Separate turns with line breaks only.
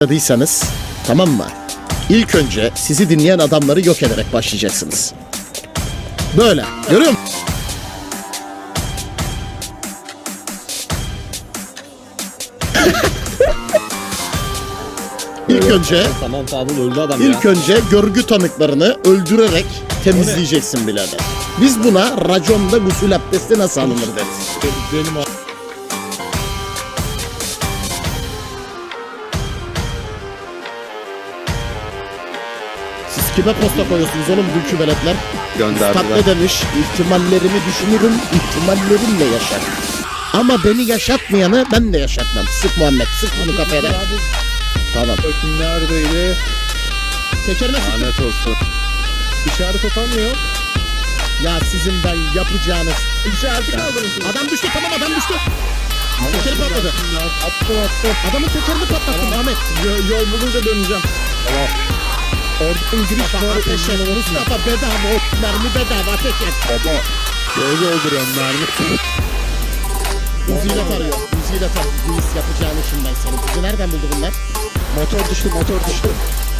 başladıysanız, tamam mı? İlk önce sizi dinleyen adamları yok ederek başlayacaksınız. Böyle. Görüyor musun? İlk önce
Tamam Fadıl öldü adam
İlk önce görgü tanıklarını öldürerek temizleyeceksin birader. Biz buna raconda gusül abdesti nasıl alınır deriz.
Benim o.
Siz kime posta koyuyorsunuz oğlum dünkü veletler? Üstad ne demiş? İhtimallerimi düşünürüm, ihtimallerimle yaşarım. Ama beni yaşatmayanı ben de yaşatmam. Sık Muhammed, sık bunu kafaya da. Tamam.
Bakın neredeydi?
Tekerine sık.
Lanet olsun. İşaret atamıyor.
Ya sizin ben yapacağınız.
İşareti kaldırın.
Adam düştü, tamam adam düştü. Tekeri patladı.
Attım.
Adamın tekerini patlattın Ahmet.
Yol bulunca döneceğim. Tamam. Oradan giriş var.
Ateş et. Mustafa bedava, o mermi bedava, ateş et.
Baba. Göz öldürüyorum mermi.
Uzi'yle tarıyor. Uzi'yle tarıyor. Luis yapacağını şimdi ben senin. Uzi nereden buldu bunlar?
Motor düştü.